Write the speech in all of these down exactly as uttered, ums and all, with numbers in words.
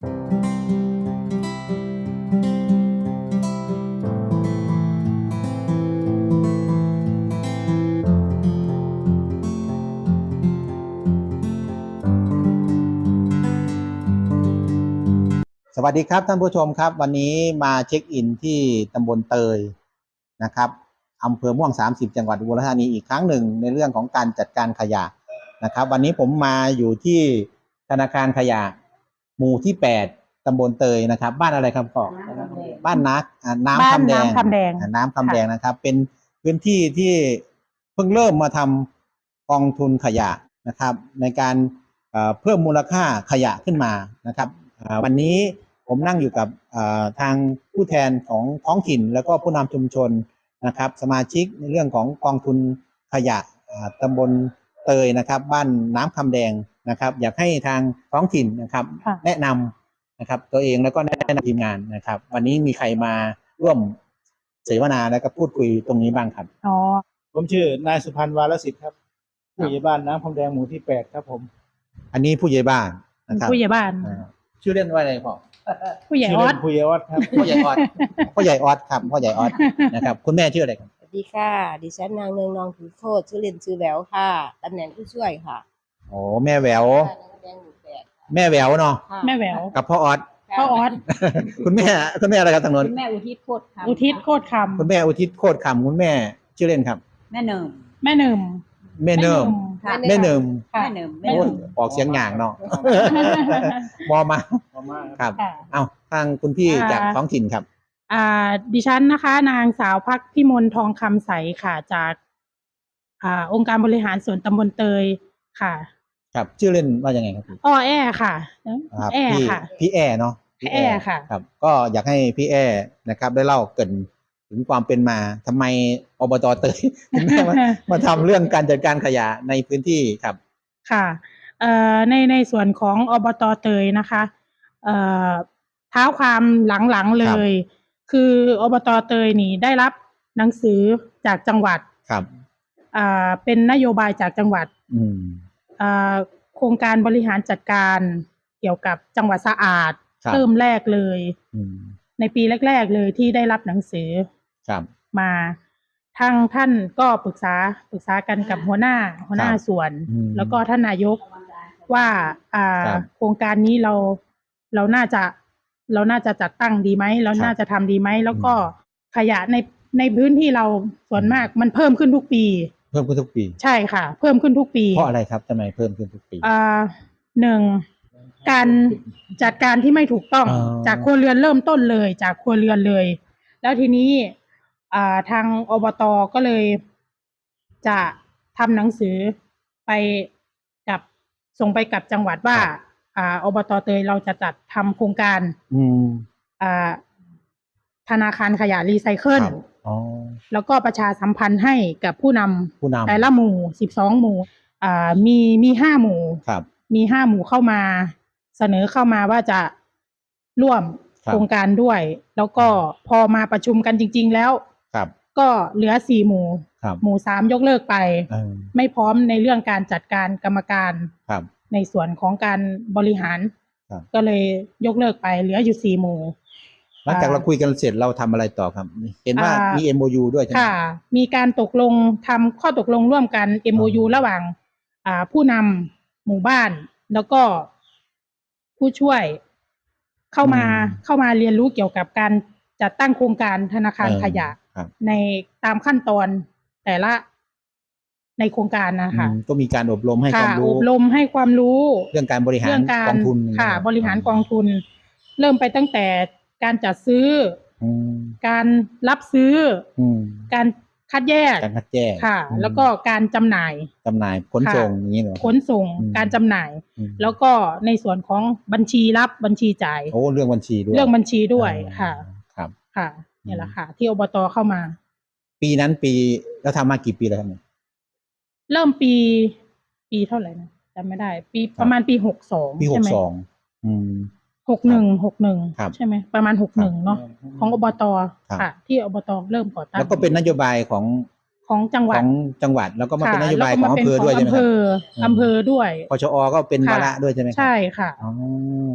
สวัสดีครับท่านผู้ชมครับวันนี้มาเช็คอินที่ตำบลเตยนะครับอำเภอม่วงสามสิบจังหวัดอุบลราชธานีอีกครั้งหนึ่งในเรื่องของการจัดการขยะนะครับวันนี้ผมมาอยู่ที่ธนาคารขยะหมู่ที่แปดตำบลเตยนะครับบ้านอะไรครับพ่อบ้านนักน้ำคำแดงน้ำคำแดงน้ำคำแดงนะครับเป็นพื้นที่ที่เพิ่งเริ่มมาทำกองทุนขยะนะครับในการเพิ่มมูลค่าขยะขึ้นมานะครับวันนี้ผมนั่งอยู่กับทางผู้แทนของท้องถิ่นแล้วก็ผู้นำชุมชนนะครับสมาชิกในเรื่องของกองทุนขยะตำบลเตยนะครับบ้านน้ำคำแดงนะครับอยากให้ทางท้องถิ่นนะครับแนะนำนะครับตัวเองแล้วก็แนะนำทีมงานนะครับวันนี้มีใครมาร่วมเสวนาแล้วก็พูดคุยตรงนี้บ้างครับอ๋อผมชื่อนายสุพันธ์วาลสิทธิ์ครับผู้ใหญ่บ้านน้ำคำแดงหมู่ที่แปดครับผมอันนี้ผู้ใหญ่บ้านนะครับผู้ใหญ่บ้านชื่อเล่นว่าอะไรพ่อผู้ใหญ่ออสผู้ใหญ่ออสครับพ่อใหญ่ออสพ่อใหญ่ออสครับพ่อใหญ่ออสนะครับคุณแม่ชื่ออะไรครับสวัสดีค่ะดิฉันนางเนืองนองถือโทษชื่อเล่นชื่อแหววค่ะตำแหน่งผู้ช่วยค่ะโอ้แม่แหววแม่แหววเนาะแม่แหววกับพ่อออสพ่อออสคุณแม่คุณแม่อะไรครับทางโน้นคุณแม่อุทิศโคตรคำอุทิศโคตรคำคุณแม่อุทิศโคตรคำคุณแม่ชื่อเล่นครับแม่เนิมแม่เนิมแม่เนิมแม่เนิมแม่เนิมโอ้ออกเสียงหง่างเนาะมอมาครับเอ้าทางคุณพี่จากท้องถิ่นครับอ่าดิฉันนะคะนางสาวพักพิมลทองคำใสค่ะจากอ่าองค์การบริหารส่วนตำบลเตยค่ะครับชื่อเล่นว่ายังไงครับอ้อแอค่ะแอค่ะพี่แอเนาะพี่แอค่ะครับก็อยากให้พี่แอนะครับได้เล่าเกริ่นถึงความเป็นมาทำไมอบต.เตยถึงได้มามาทำเรื่องการจัดการขยะในพื้นที่ครับค่ะเอ่อในในส่วนของอบต.เตยนะคะเอ่อเท้าความหลังๆเลยคืออบต.เตยนี่ได้รับหนังสือจากจังหวัดครับอ่าเป็นนโยบายจากจังหวัดอืมอ่าโครงการบริหารจัดการเกี่ยวกับจังหวัดสะอาดเริ่มแรกเลยในปีแรกๆเลยที่ได้รับหนังสือมาทางท่านก็ปรึกษาปรึกษากันกับหัวหน้าหัวหน้าส่วนแล้วก็ท่านนายกว่าอ่าโครงการนี้เราเราน่าจะเราน่าจะจัดตั้งดีไหมเราน่าจะทำดีไหมแล้วก็ขยะในในพื้นที่เราส่วนมากมันเพิ่มขึ้นทุกปีเพิ่มขึ้นทุกปีใช่ค่ะเพิ่มขึ้นทุกปีเพราะอะไรครับทำไมเพิ่มขึ้นทุกปีอ่าหนึ่งการจัดการที่ไม่ถูกต้องจากครัวเรือนเริ่มต้นเลยจากครัวเรือนเลยแล้วทีนี้อ่าทางอบต.ก็เลยจะทำหนังสือไปกับส่งไปกับจังหวัดว่าอ่าอบต.เตยเราจะจัดทำโครงการอ่าธนาคารขยะรีไซเคิลแล้วก็ประชาสัมพันธ์ให้กับผู้นำแต่ละหมู่สิบสองหมู่อ่ามีมีห้าหมู่มีห้าหมู่เข้ามาเสนอเข้ามาว่าจะร่วมโครงการด้วยแล้วก็พอมาประชุมกันจริงๆแล้วก็เหลือสี่หมู่หมู่สามยกเลิกไปไม่พร้อมในเรื่องการจัดการกรรมการในส่วนของการบริหารก็เลยยกเลิกไปเหลืออยู่สี่หมู่หลังจากเราคุยกันเสร็จเราทำอะไรต่อครับเห็นว่ามี เอ็ม โอ ยู ด้วยใช่ไหมค่ะมีการตกลงทำข้อตกลงร่วมกัน เอ็ม โอ ยู ระหว่างผู้นำหมู่บ้านแล้วก็ผู้ช่วยเข้ามาเข้ามาเรียนรู้เกี่ยวกับการจัดตั้งโครงการธนาคารขยะในตามขั้นตอนแต่ละในโครงการนะคะก็มีการอบรมให้ความรู้อบรมให้ความรู้เรื่องการบริหารกองทุนค่ะบริหารกองทุนเริ่มไปตั้งแต่การจัดซื้อการรับซื้อการคัดแยกการคัดแยกค่ะแล้วก็การจำหน่ายจำหน่ายขนส่งอย่างนี้เหรอขนส่งการจำหน่ายแล้วก็ในส่วนของบัญชีรับบัญชีจ่ายโอ้เรื่องบัญชีด้วยเรื่องบัญชีด้วยค่ะครับค่ะนี่แหละค่ะที่อบต.เข้ามาปีนั้นปีแล้วทำมากี่ปีแล้วครับเนี่ยเริ่มปีปีเท่าไหร่นะจำไม่ได้ปีประมาณปีหกสองปีหกสองอืมหกหนึ่งหกหนึ่งใช่ไหมประมาณหกหนึ่งเนาะของอบต.ค่ะที่อบต.เริ่มก่อตั้งแล้วก็เป็นนโยบายของของจังหวัดของจังหวัดแล้วก็มาเป็นนโยบายของอำเภอด้วยใช่ไหมอำเภออำเภอด้วยปชอ.ก็เป็นวาระด้วยใช่ไหมใช่ค่ะอ๋อครับ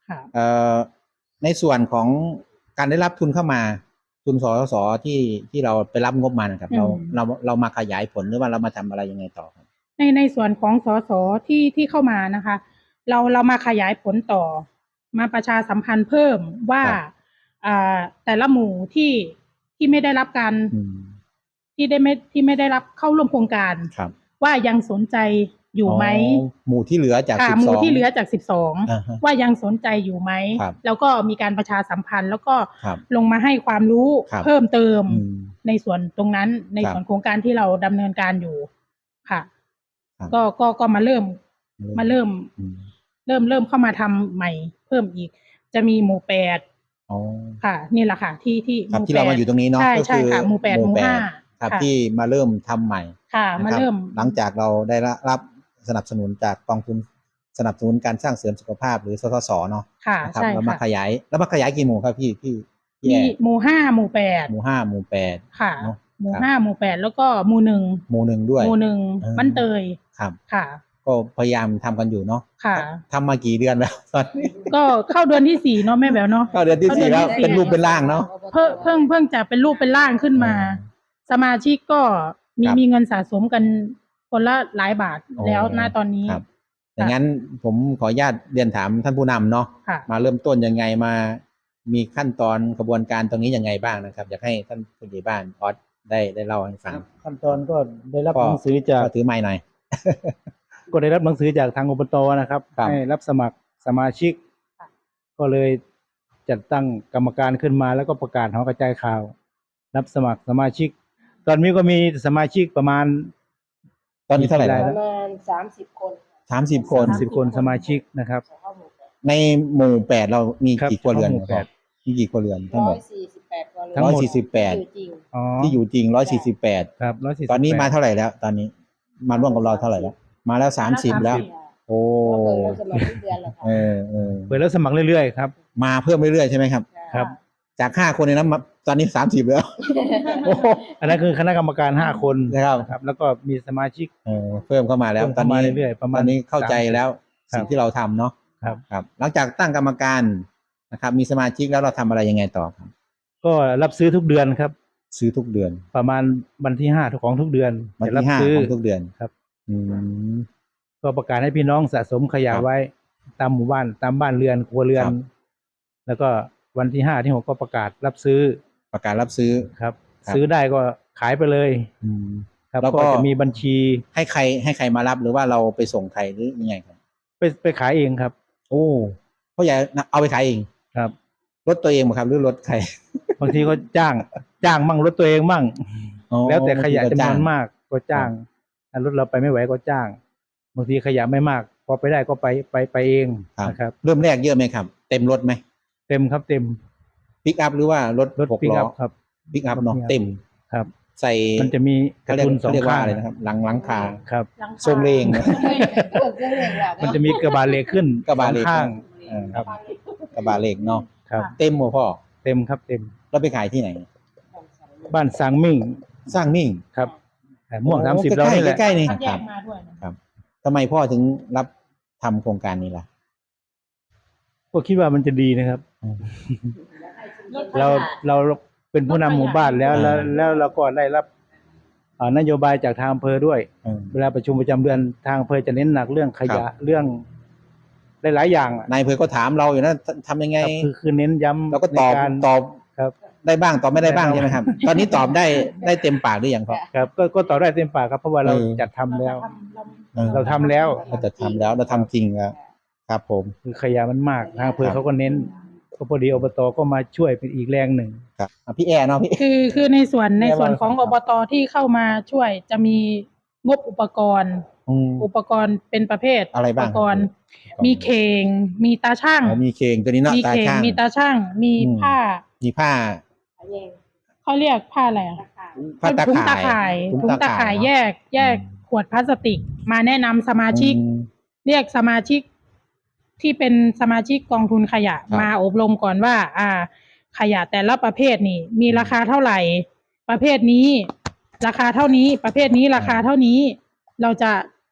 ค่ะเอ่อในส่วนของการได้รับทุนเข้ามา ทุนสสสที่ที่เราไปรับงบมานะครับ เราอืมเราเรามาขยายผลหรือว่าเรามาทำอะไรยังไงต่อครับในในส่วนของสสที่ที่เข้ามานะคะ เราเรามาขยายผลต่อ มาประชาสัมพันธ์เพิ่มว่าครับอ่าแต่ละหมู่ที่ที่ไม่ได้รับการอืมที่ได้ไม่ที่ไม่ได้รับเข้าร่วมโครงการครับว่ายังสนใจอยู่ไหมอ๋อหมู่ที่เหลือจากค่ะสิบหสมู่องที่เหลือจากสิบสองอ่าฮะว่ายังสนใจอยู่ไหมครับแล้วก็มีการประชาสัมพันธ์ แล้วก็ครับลงมาให้ความรู้ครับเพิ่มเติมอืมในส่วนตรงนั้นในครับส่วนโครงการที่เราดำเนินการอยู่ค่ะครับก็ก็ก็มาเริ่ม มาเริ่มอืมเริ่มเริ่มเข้ามาทำใหม่เพิ่มอีก จะมีหมู่แปดอ๋อค่ะ นี่แหละค่ะ ที่ที่ครับหมู่ที่เรามาอยู่ตรงนี้เนาะใช่ก็ใช่คือค่ะ หมู่แปดหมู่ห้าครับค่ะที่มาเริ่มทำใหม่ค่ะนะมาครับเริ่มหลังจากเราได้รับสนับสนุนจากกองทุนสนับสนุนการสร้างเสริมสุขภาพหรือสสสเนาะค่ะนะครับใช่เรามาค่ะขยายแล้วมาขยายกี่หมู่ครับพี่พี่พี่มีแอร์หมู่ห้าหมู่แปดหมู่ห้าหมู่แปดค่ะเนาะหมู่ครับห้าหมู่แปดแล้วก็หมู่หนึ่งหมู่หนึ่งด้วยหมู่หนึ่งเออบ้านเตยครับค่ะก็พยายามทำกันอยู่เนาะค่ะทำมากี่เดือนแล้ว ตอนนี้ก็เข้าเดือนที่สี่เนาะแม่แบ๊วเนาะเข้าเดือนที่สี่แล้วเป็นรูปเป็นร่างเนาะเพิ่งเพิ่งเพิ่งจะเป็นรูปเป็นร่างขึ้นมาเออสมาชิกก็มีครับมีเงินสะสมกันคนละหลายบาทอ๋อแล้วณตอนนี้ครับ อย่างนั้นผมขออนุญาตเรียนถามท่านผู้นำเนาะค่ะมาเริ่มต้นยังไงมา มีขั้นตอนกระบวนการตรงนี้ยังไงบ้างนะครับ อยากให้ท่านผู้ใหญ่บ้านออสได้ได้เล่าให้ฟังขั้นตอนก็ได้รับก็หนังสือจากก็ถือไม้หน่อยก็ได้รับหนังสือจากทางอบตนะครับครับให้รับสมัครสมาชิกค่ะก็เลยจัดตั้งกรรมการขึ้นมาแล้วก็ประกาศหอกระจายข่าว รับสมัครสมาชิก ตอนนี้ก็มีสมาชิกประมาณตอนนี้เท่าไหร่มีกี่แล้รายวประมาณสามสิบคนสามสิบคนสามสิบคนสมาชิกนะครับเข้าหมู่แปดในหมู่แปดเรามีครับกี่ครัวเรือนหมู่แปดมีกี่ครัวเรือนทั้งหมร้อดยสี่สิบแปดคนทั้งหมดร้อยสี่สิบแปดอยู่จริงอ๋อที่อยู่จริงร้อยสี่สิบแปดครับร้อยสี่สิบตอนนี้มาเท่าไหร่แล้ว ตอนนี้ มาร่วมกับเราเท่าไหร่แล้ว มาแล้วสามสิบแล้ว โอ้เปิดรับสมัครทุกเดือนแล้วค่ะเออเออเปิดรับสมัครเรื่อยๆครับมาเพิ่มเรื่อยๆใช่ไหมครับครับจากห้าคนในนั้นมาตอนนี้สามสิบแล้ว โอ้โหอันนั้นคือคณะกรรมการห้าคนนะครับนะครับ แล้วก็มีสมาชิกเออเพิ่มเข้ามาแล้วเพิ่มตอนเข้ามานี้เรื่อยๆประมาณตอนนี้เข้าใจสามสิบแล้วครับสิ่งที่เราทำเนาะครับครับ หลังจากตั้งกรรมการนะครับ มีสมาชิกแล้วเราทำอะไรยังไงต่อครับก็รับซื้อทุกเดือนครับซื้อทุกเดือนประมาณวันที่ห้าของทุกเดือนวันจะรัที่ห้าซื้อของทุกเดือนครับอืมก็ประกาศให้พี่น้องสะสมขยะครับไว้ตามหมู่บ้านตามบ้านเรือนครัวเรือนครับแล้วก็วันที่ห้าที่หกก็ประกาศรับซื้อประกาศรับซื้อครับครับซื้อได้ก็ขายไปเลยอืมครับแล้วก็ก็จะมีบัญชีให้ใครให้ใครมารับหรือว่าเราไปส่งใครหรือยังไงครับไปไปขายเองครับโอ้พ่อใหญ่เอาไปขายเองครับรถตัวเองไหมครับหรือรถใครบางทีก็จ้าง จ้างมั่งรถตัวเองมั่งอ๋อแล้วแต่ขยะบางทีก็จำนจ้างวนมากก็จ้างถ้ารถเราไปไม่ไหวก็จ้างบางทีขยะไม่มาก พอไปได้ก็ไปไปไปเองครับนะครับเริ่มแรกเยอะไหมครับ เต็มรถไหมเต็มครับเต็มปิกอัพหรือว่ารถรถหกปิกล้อัอพครับปิกอัพเนาะรถ pick up เต็มครับใส่มันจะมีกเขาระเรียกทุนสอเขางเรียกว่าข้างอะไรนะครับ หลังหลังคาครับทรงเลงเปิดเรื่องเลยว่ะมันจะมีกระบะเหล็กขึ้นกระบะเหล็กสองข้างเออครับกระบะเหล็กเนาะครับเต็มหมดพ่อเต็มครับเต็มแล้วไปขายที่ไหนบ้านสางมิ่งสร้างมิ่งครับแต่ม่วงโอ้สามสิบใกล้ๆเรานี่แหละใกล้ๆนี่คัดแยครักบมาด้วยนะทำไมพ่อถึงรับทำโครงการนี้ล่ะก็คิดว่ามันจะดีนะครับอืมเราเราเป็นผู้นำหมู่บ้านแล้วแล้วอ่าแล้วเราก็ได้รับอ่านโยบายจากทางอำเภอด้วยอืมเวลาประชุมประจำเดือนทางอำเภอจะเน้นหนักเรื่องขยะเรื่องหลายๆอย่างอะนายอำเภอก็ถามเราอยู่นะทำยังไงครับคือคือเน้นย้ำเราก็ตอบในการตอบครับได้บ้างตอบไม่ได้บ้างได้บ้างใช่ไหมครับ ตอนนี้ตอบได้ได้เต็มปากหรือยังครับครับก็ก็ตอบได้เต็มปากครับเพราะว่าเราเออจัดทำแล้วเออเราทำแล้วเราจะทำแล้วเราทำจริงแล้วครับผมคือขยะมันมากทางอำเภอครับเขาก็เน้นก็พอดีอบตก็มาช่วยเป็นอีกแรงหนึ่งครับอ่ะพี่แอร์เนาะพี่คือคือในส่วนในส่วนของครัอบ บตที่เข้ามาช่วยจะมีงบอุปกรณ์อืมอุปกรณ์เป็นประเภทอะไรบ้างอุปกรณ์ครับมีเข่งมีตาช่างอ๋อมีเคงตัวนี้เนาะมีตาเข่งช่างมีตาช่าง มีอืมผ้ามีผ้าเขาเรียกผ้าอะไรอะผ้าตาถุงข่ายตาข่ายถุงตาข่ายเนะแยก แยกอืมขวดพลาสติก มาแนะนำสมาชิกอืมเรียกสมาชิกที่เป็นสมาชิกกองทุนขยะครับมาอบรมก่อนว่า อ่า ขยะแต่ละประเภทนี่ มีราคาเท่าไหร่ ประเภทนี้ ราคาเท่านี้ ประเภทนี้ราคาเท่านี้ เราจะ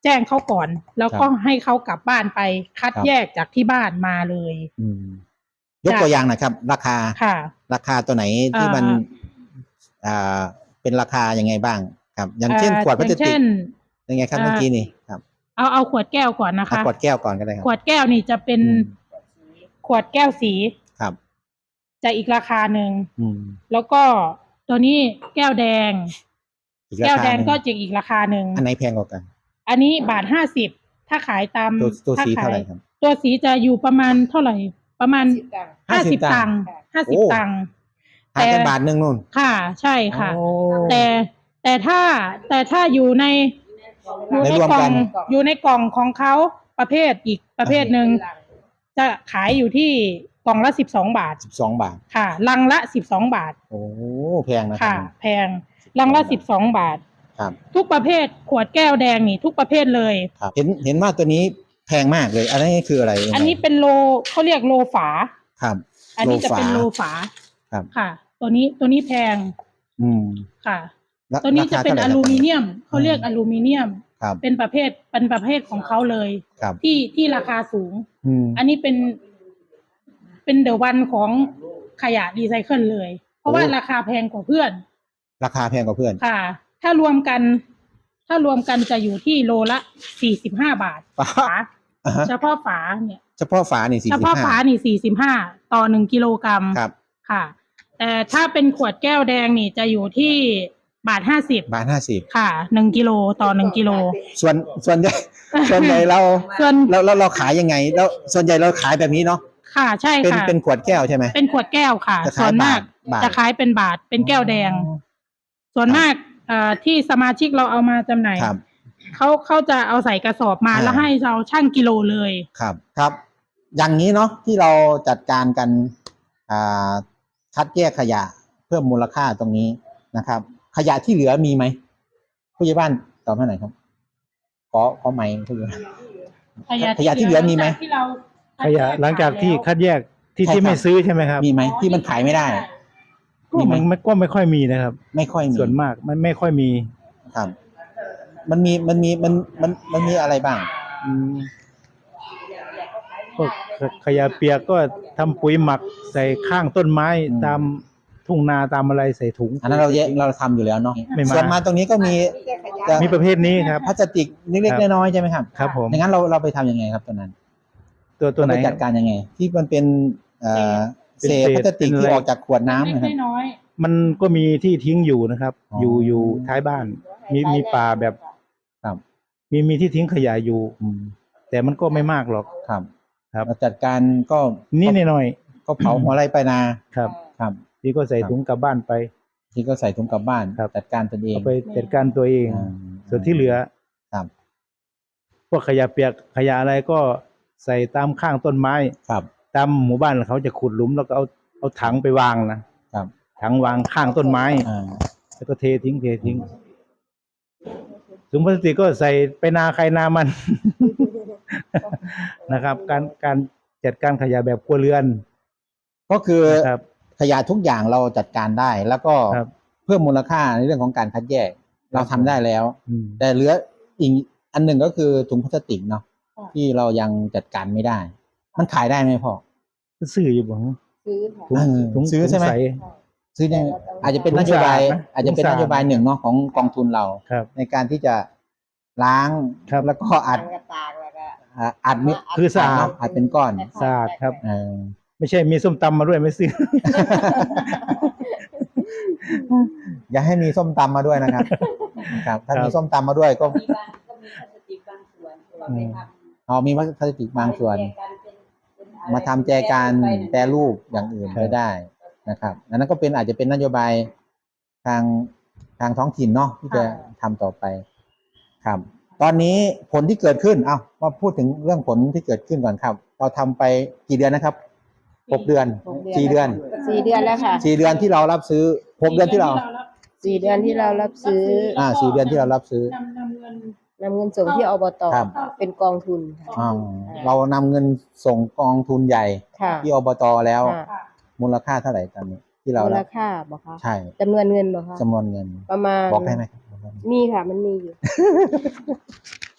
แจ้งเขาก่อน แล้วก็ครับให้เขากลับบ้านไปคัดครับแยกจากที่บ้านมาเลยอืมยกตัวอย่างหนะครับ ราคาค่ะราคาตัวไหนที่มันเอ่ออ่าเป็นราคายังไงบ้างครับ อย่างเช่นเอ่อขวดพลาสอย่างติเช่กนยังไงครับเอ่อเมื่อกี้นี่ครับเอาเอาขวดแก้วก่อนนะเอาคะขวดแก้วก่อนก็ได้ครับขวดแก้วนี่จะเป็นอืมขวดแก้วสีครับจะอีกราคาหนึ่งอืมแล้วก็ตัวนี้แก้วแดงอีกแก้ราว คาแดงหนึ่งก็จะอีกราคาหนึ่งอันไหนแพงกว่ากันอันนี้บาทห้าสิบถ้าขายตามตัวตัวถ้าสีขาเท่าย ไหร่ครับตัวสีจะอยู่ประมาณเท่าไหร่ ประมาณห้าห้าสิสิบบ ตัตังงค์ค์ห้าสิบโอ้ตังค์ห่างกันบาทหนึ่งนู่นค่ะ ใช่ค่ะโอ้แต่แต่ถ้าแต่ถ้าอยู่ในอยู่ในในรวมกล่อกังนอยู่ในกล่องของเขาประเภทอีกประเภทหนึ่งจะขายอยู่ที่กล่องละสิบสองบาทสิบสองบาทค่ะลังละสิบสองบาทโอ้แพงนะครัค่ะบแพงลังละสิบสองบาทครับทุกประเภทขวดแก้วแดงนี่ทุกประเภทเลยครับ เห็นเห็นว่าตัวนี้แพงมากเลย อันนี้คืออะไรยังไงอันนี้เป็นโลเขาเรียกโลฝาครับอันนี้จะเป็นโลฝาครับค่ะ ตัวนี้ตัวนี้แพงอืมค่ะแล้ตัวนี้จะเป็นราอคาท่าไหลูมิเนีคยมเขาเรียกอลูมิเนียมรับเป็นประเภทเป็นประเภทของเขาเลยครับที่ที่ราคาสูงอืมอันนี้เป็นเป็นเดอะวันของขยะรีไซเคิลเลย เพราะว่าโอ้ราคาแพงกว่าเพื่อนราคาแพงกว่าเพื่อนค่ะ ถ้ารวมกัน ถ้ารวมกันจะอยู่ที่โลละสี่สิบห้าบาทป๊าฝาอ่าฮะเฉพาะฝาเนี่ยเฉพาะฝานี่สี่เฉสิบพาะห้าฝานี่สี่สิบห้าต่อหนึ่งกิโลกรัมครับค่ะ แต่ถ้าเป็นขวดแก้วแดงนี่จะอยู่ที่บาทห้าสิบบาทห้าสิบค่ะหนึ่งกิโลต่อหนึ่งกิโลส่วนส่วนใหญ่ ส่วนใหญ่เราส่วนเราเราเราขายยังไง แล้วส่วนใหญ่เราขายแบบนี้เนาะค่ะใช่เป็นค่ะเป็นขวดแก้วใช่ไหมเป็นขวดแก้วค่ะจะขายส่วนมากบาทจะขายเป็นบาทเป็นแก้วแดงอ๋อส่วนมากเอ่อที่สมาชิกเราเอามาจำหน่ายครับเขาเขาจะเอาใส่กระสอบมาอ่าแล้วให้เราชั่งกิโลเลยครับครับ อย่างนี้เนาะที่เราจัดการกันอ่าคัดแยกขยะเพิ่มมูลค่าตรงนี้นะครับ ขยะที่เหลือมีไหมผู้ใหญ่บ้านตอบให้หน่อยครับขอขอไมค์ผู้ใหญ่บ้าน ขยะที่เหลือมีไหมที่เราขยะหลังจากที่คัดแยกที่ใช่ที่ครับไม่ซื้อใช่ไหมครับมีไหมที่มันขายไม่ได้ก็มีไหมมันมันก็ไม่ค่อยมีนะครับไม่ค่อยมีส่วนมากมันไม่ค่อยมีครับ มันมีมันมีมันมันมันมีอะไรบ้างอืมพวกขขยะเปียกก็ทำปุ๋ยหมักใส่ข้างต้นไม้อืมตามทุ่งนาตามอะไรใส่ถุงอันนั้นเราแยกเราทำอยู่แล้วเนาะไม่มาส่วนมาตรงนี้ก็มีจะมีประเภทนี้ครับพลาสติกเล็กครับๆน้อยๆใช่ไหมครับครับผมอย่างนั้นเราเราไปทำยังไงครับตัวนั้นตัวตัวไหนเราปจัดการยังไง ที่มันเป็นเอ่อเป็นเศษเศษพลาสติกเป็นอะไรที่ออกจากขวดน้ำนะครับเล็กๆน้อยมันก็มีที่ทิ้งอยู่นะครับอ๋อออยู่อยู่ท้ายบ้าน มีมีป่าแบบครับมีมีที่ทิ้งขยะอยู่อืมแต่มันก็ไม่มากหรอกครับครับเราจัดการก็นี่หน่อยก็เผาหัวไรไปนาๆครับครับที่ก็ใส่ครับถุงกลับบ้านไปที่ก็ใส่ถุงกลับบ้านครับจัดการตนเองเอาไปจัดการตัวเองอ่าส่วนที่เหลือครับพวกขยะเปียกขยะอะไรก็ใส่ตามข้างต้นไม้ครับตามหมู่บ้านเขาจะขุดหลุมแล้วก็เอาเอาถังไปวางนะครับ ถังวางข้างต้นไม้อ่าแล้วก็เททิ้งเททิ้งถุงพลาสติกก็ใส่ไปนาใครนามัน นะครับ การการจัดการขยะแบบครัวเรือนก็คือนะครับขยะทุกอย่างเราจัดการได้ แล้วก็ครับเพิ่มมูลค่าในเรื่องของการคัดแยก เราทำได้แล้วอืมแต่เหลืออีกอันหนึ่งก็คือถุงพลาสติกเนาะค่ะที่เรายังจัดการไม่ได้ มันขายได้ไหมพ่อซื้ออยู่บ่ซื้อค่ะถุงเออถุงซื้อใช่ไหมถุงใสซื้อยังแต่เราต้องอาจจะเป็นถุงนโยบายสะอาดนะอาจจะเป็นถุงสะอาดนโยบายหนึ่งเนาะของกองทุนเราครับในการที่จะล้างครับแล้วก็อัดกระตากแล้วก็อ่าอัดมิคือสะอาดอัดเป็นก้อนสะอาดครับเออไม่ใช่มีส้มตำมาด้วยไม่ซื้ออย่าให้มีส้มตำมาด้วยนะครับ ครับ ถ้าครับมีส้มตำมาด้วยก็มีบางก็มีพลาสติกบางส่วนที่เราไปทำอ๋อมีพลาสติกบางส่วน มาทำแจกันแปรรูปอย่างอื่นครับก็ได้นะครับอันนั้นก็เป็นอาจจะเป็นนโยบายทางทางท้องถิ่นเนาะที่จะทำต่อไปครับ ตอนนี้ผลที่เกิดขึ้นเอามาพูดถึงเรื่องผลที่เกิดขึ้นก่อนครับ เราทำไปกี่เดือนนะครับหกเดือนหกเดือนสี่เดือนสี่เดือนแล้วค่ะสี่เดือนที่เรารับซื้อหกเดือนที่เราสี่เดือนที่เรารับซื้ออ่าสี่เดือนที่เรารับซื้อนำนำเงินนำเงินส่งที่อบตครับเป็นกองทุนค่ะอ่าเรานำเงินส่งกองทุนใหญ่ค่ะที่อบตแล้วค่ะมูลค่าเท่าไหร่ตอนนี้ ที่เรามูลรับค่าบอกคะใช่จำนวนเงินบอกคะจำนวนเงินประมาณบอกได้ไหมมีค่ะ มันมีอยู่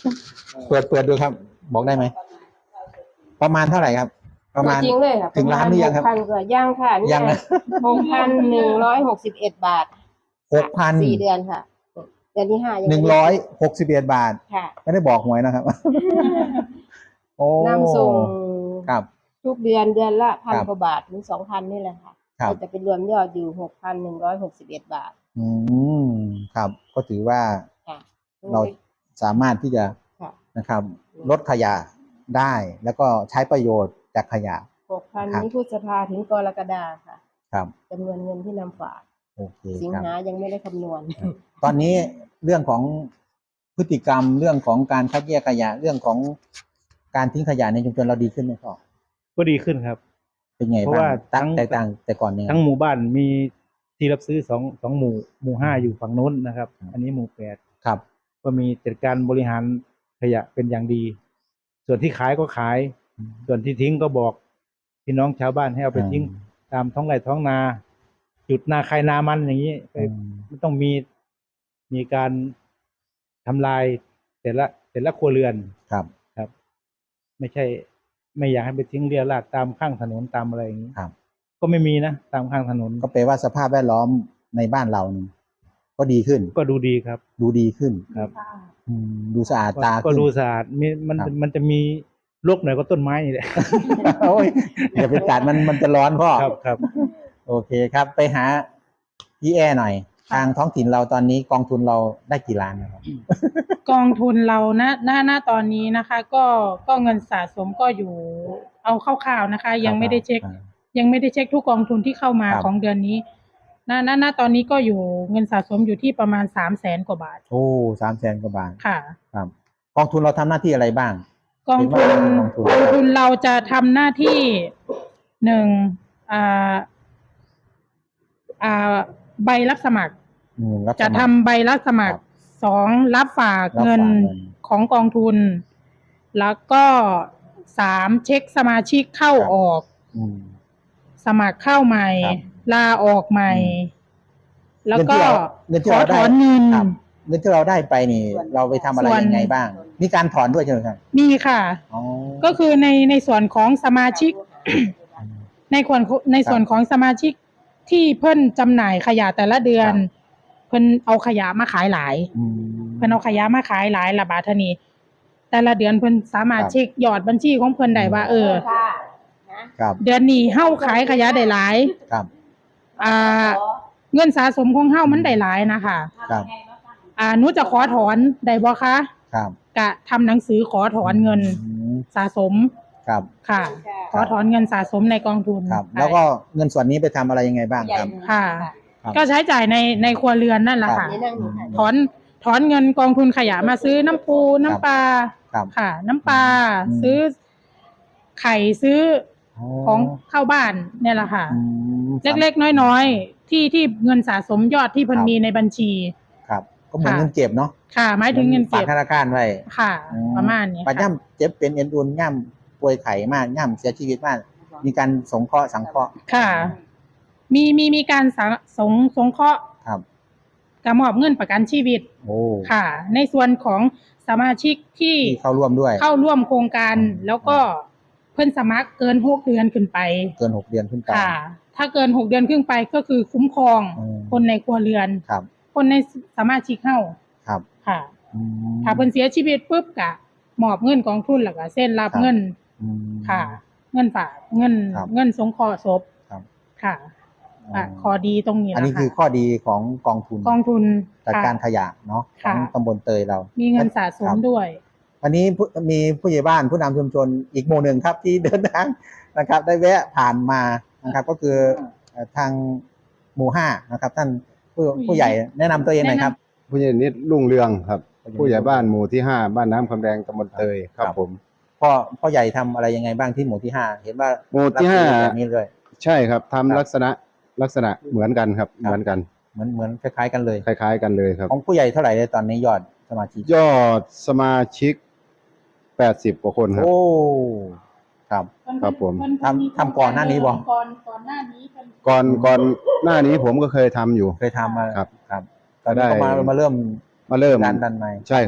เปิดเปิดดูครับ บอกได้ไหมประมาณเท่าไหร่ครับ ประมาณจริงเลยค่ะถึงล้านหรือยังครับหกพันกว่าย่างค่ะนี่ยังนะหกพันหนึ่งร้อยหกสิบเอ็ดบาทหกพันสี่เดือนค่ะ เดือนที่ห้ายังหไม่นึ่งได้ร้อยหกสิบเอ็ดบาทค่ะไม่ได้บอกหวยนะครับ โอ้นำส่งครับทุกเดือนเดือนละพันครับกว่าบาทถึงสองพันนี่แหละค่ะครับก็จะเป็นรวมยอดอยู่หกพันหนึ่งร้อยหกสิบเอ็ดบาทอืมครับ ก็ถือว่าค่ะเราสามารถที่จะค่ะนะครับ ลดขยะได้ แล้วก็ใช้ประโยชน์จากขยะหกพันครับนี้พฤษภาถึงกรกฎาค่ะครับจำนวนเงินที่นำฝากโอเคสิงครับหายังไม่ได้คำนวณตอนนี้เรื่องของพฤติกรรมเรื่องของการคัดแยกขยะเรื่องของการทิ้งขยะในชุมชนเราดีขึ้นไหมพ่อก็ดีขึ้นครับเป็นไงเพราะบ้างว่าตั้งทั้งแตกต่างแต่ก่อนเนี่ยทั้งหมู่บ้านมีที่รับซื้อสองสองหมู่หมู่ห้าอยู่ฝั่งนู้นนะครับครับอันนี้หมู่แปดครับก็มีจัดการบริหารขยะเป็นอย่างดี ส่วนที่ขายก็ขาย ส่วนที่ทิ้งก็บอกพี่น้องชาวบ้านให้เอาไปทิ้ง ตามท้องไร่ท้องนา จุดนาใครนามันอย่างนี้ไปอืมไม่ต้องมีมีการทำลายแต่ละแต่ละครัวเรือนครับครับ ไม่ใช่ ไม่อยากให้ไปทิ้งเรี่ยราดตามข้างถนนตามอะไรอย่างนี้ครับก็ไม่มีนะตามข้างถนนก็แปลว่าสภาพแวดล้อมในบ้านเรานี่ก็ดีขึ้นก็ดูดีครับดูดีขึ้นครับอืมดูสะอาดตาก็ขึ้นดูสะอาดมีมันครับมันจะมีรกหน่อยก็ต้นไม้นี่แหละโอ้ยอย่าไปตัดมันมันจะร้อนพ่อครับครับโอเคครับ ไปหาพี่แอหน่อย ทางท้องถิ่นเราตอนนี้กองทุนเราได้กี่ล้านนะครับกองทุนเราณณณตอนนี้นะคะ ก็ก็เงินสะสมก็อยู่เอาคร่าวๆนะคะ ยังไม่ได้เช็คอ่ายังไม่ได้เช็คทุกกองทุนที่เข้ามาครับของเดือนนี้ณณณตอนนี้ก็อยู่เงินสะสมอยู่ที่ประมาณสามแสนกว่าบาทโอ้สามแสนกว่าบาทค่ะครับ กองทุนเราทำหน้าที่อะไรบ้างกองทุนเห็นว่าเป็นกองทุนกองทุนเราจะทำหน้าที่หนึ่งอ่าอ่าใบรับสมัครอืมรับสจะมัครทำใบรับสมัครครับสองรับฝากรับฝากเงินเงินของกองทุน แล้วก็สามเช็คสมาชิกเข้าครับออกอืมสมัครเข้าใหม่ครับลาออกใหม่อืมแล้วก็เงินที่ขอเราถได้อนเงินครับเงินที่เราได้ไปนี่ เราไปทำอะไรส่วนยังไงบ้าง มีการถอนด้วยใช่ไหมครับมีค่ะอ๋อก็คือในในส่วนของสมาชิก ในส่วนในส่วนของสมาชิกที่เพิ่นจำหน่ายขยะแต่ละเดือนครับเพิ่นเอาขยะมาขายหลายอืมเพิ่นเอาขยะมาขายหลายละบาทเท่านี้แต่ละเดือนเพิ่นสามารถครับเช็คยอดบัญชีของเพิ่นได้ว่า เออค่ะนะครับเดือนนี้เฮาขายขยะได้หลายครับอ่า เงินสะสมของเฮามันได้หลายนะคะครับอ่าหนูจะขอถอนได้บ่คะครับกะทำหนังสือขอถอนเงินอืมสะสมครับค่ะ ขอถอนเงินสะสมในกองทุนครับ แล้วก็เงินส่วนนี้ไปทำอะไรยังไงบ้างครับค่ะครับก็ใช้จ่ายในในครัวเรือนนั่นแหละค่ะนี่นั่งอยู่ค่ะถอนถอนเงินกองทุนขยะมาซื้อน้ำปูน้ำปลาครับค่ะ น้ำปลาอืมซื้อ ไข่ซื้อของเข้าบ้านเนี่ยแหละค่ะอืมเล็กๆน้อยๆที่ที่เงินสะสมยอดที่เพิ่นครับมีในบัญชีครับ ก็เหมือนค่ะเงินเก็บเนาะค่ะ หมายถึงเงินฝากเก็บธนาคารไว้ค่ะอืประมาณนี้ปัจค่ะย่ำเจ็บเป็นเอ็นอุ่นย่ำป่วยไข้มากย่ำเสียชีวิตมาก มีการสงเคราะห์สังเคราะห์ค่ะ มีมีมีการสงสงสงเคราะห์ครับกระมอบเงินประกันชีวิตโอ้ค่ะ ในส่วนของสมาชิกที่ที่เข้าร่วมด้วยเข้าร่วมโครงการอืมแล้วก็เพิ่นสมัครเกินหกเดือนขึ้นไปเกินหกเดือนขึ้นไปค่ะ ถ้าเกินหกเดือนขึ้นไปก็คือคุ้มครองอืมคนในครัวเรือนครับคนในสมาชิกเฮาครับค่ะอืมถ้าเพิ่นเสียชีวิตปุ๊บก็มอบเงินกองทุนแล้วก็เซ็นรับครับเงินอืมค่ะ เงินฝากเงินครับเงินสงเคราะห์ศพครับค่ะอ่ะข้อดีตรงนี้อันนี้นะคือคะข้อดีของกองทุนกองทุนจัดค่ะการขยะเนาะขค่ะองตำบลเตยเรามีมีเงินสะสมด้วยวันนี้ผู้มีผู้ใหญ่บ้านผู้นำชุมชนอีกหมู่หนึ่งครับที่เดินทางนะครับ ได้แวะผ่านมานะครับ ก็คือเอ่อทางหมู่ห้านะครับ ท่านผู้ผู้ใหญ่แนะนำตัวเองหน่อยครับผู้ใหญ่นิดรุ่งเรืองครับผู้ผู้ใหใหญ่ญ่บ้านหมู่ที่ห้าบ้านน้ำคำแดงตำบลเตยครัครับ บผมพ่อพ่อใหญ่ทำอะไรยังไงบ้างที่หมู่ที่ห้าเห็นว่าหมู่ที่ห้ารับซื้อแบบนี้เลยใช่ครับทำครับลักษณะลักษณะเหมือนกันครับครับเหมือนกันเหมือนเหมือนคล้ายๆกันเลยคล้าย ๆ กันเลยครับของผู้ใหญ่เท่าไหร่เลยตอนนี้ยอดสมาชิกยอดสมาชิกแปดสิบกว่าคนครับโอ้ครับครับผมทำทำก่อนหน้านี้บ่ก่อนก่อนหน้านี้เป็นก่อนก่อนหน้านี้ผมก็เคยทำอยู่เคยทำมาครับครับตอนนี้ก็มาได้มาเริ่มมาเริ่มดันดันใหม่ใช่ครับ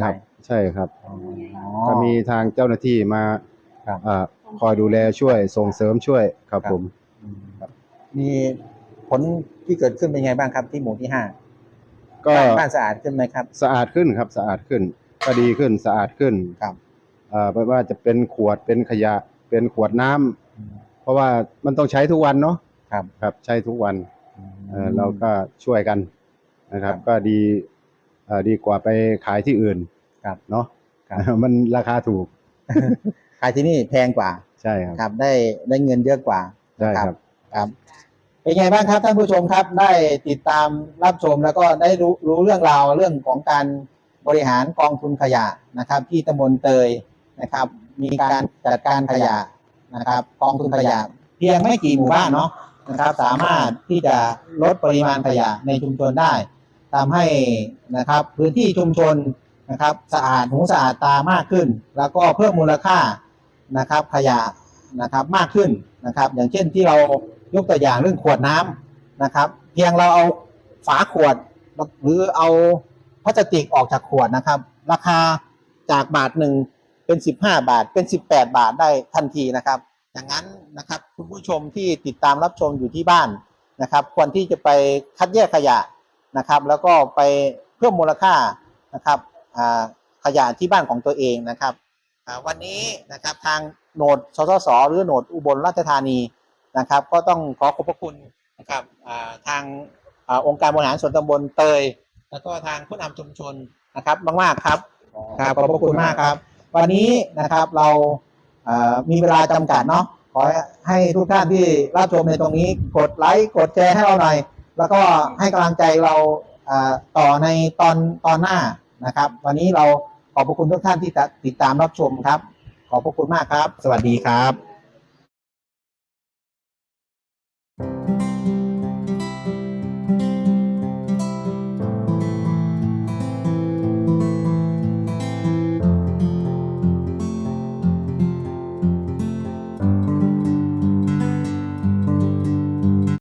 ใช่ครับอ๋อก็มีทางเจ้าหน้าที่มาครับอ่าคอยดูแลช่วยส่งเสริมช่วยครับครับผมอืมครับมีผลที่เกิดขึ้นเป็นไงบ้างครับที่หมู่ที่ห้าก็บ้านบ้านสะอาดขึ้นไหมครับสะอาดขึ้นครับสะอาดขึ้นก็ดีขึ้นสะอาดขึ้นครับอ่าไม่ว่าจะเป็นขวดเป็นขยะเป็นขวดน้ำอืมเพราะว่ามันต้องใช้ทุกวันเนาะครับครับใช้ทุกวันอืมเออเราก็ช่วยกันนะครับครับก็ดีเอ่อดีกว่าไปขายที่อื่นครับเนาะครับมันราคาถูกขายที่นี่แพงกว่าใช่ครับครับได้ได้เงินเยอะกว่าใช่นะครับ ครับเป็นไงบ้างครับท่านผู้ชมครับได้ติดตามรับชมแล้วก็ได้รู้รู้เรื่องราวเรื่องของการบริหารกองทุนขยะนะครับ ที่ตำบลเตยนะครับ มีการจัดการขยะนะครับ กองทุนขยะเพียงไม่กี่หมู่บ้านเนาะนะครับ สามารถที่จะลดปริมาณขยะในชุมชนได้ทำให้นะครับพื้นที่ชุมชนนะครับสะอาดหูสะอาดตามากขึ้น แล้วก็เพิ่มมูลค่านะครับขยะนะครับมากขึ้นนะครับ อย่างเช่นที่เรายกตัวอย่างเรื่องขวดน้ำนะครับ เพียงเราเอาฝาขวดหรือเอาพลาสติกออกจากขวดนะครับ ราคาจากบาทหนึ่งเป็นสิบห้าบาทเป็นสิบแปดบาทได้ทันทีนะครับอย่างนั้นนะครับคุณผู้ชมที่ติดตามรับชมอยู่ที่บ้านนะครับควรที่จะไปคัดแยกขยะนะครับ แล้วก็ไปเพิ่มมูลค่านะครับขยะที่บ้านของตัวเองนะครับวันนี้นะครับทางโหนดสสสหรือโหนดอุบลราชธานีนะครับก็ต้องขอขอบพระคุณนะครับทางองค์การบริหารส่วนตำบลเตยแล้วก็ทางผู้นำชุมชนนะครับมากๆครับครับขอบพระคุณมากครับวันนี้นะครับเรามีเวลาจำกัดเนาะขอให้ทุกท่านที่รับชมในตรงนี้กดไลค์กดแชร์ให้เราหน่อยแล้วก็ให้กำลังใจเราต่อในตอนตอนหน้านะครับวันนี้เราขอบพระคุณทุกท่านที่ติดตามรับชมครับขอบพระคุณมากครับสวัสดีครับ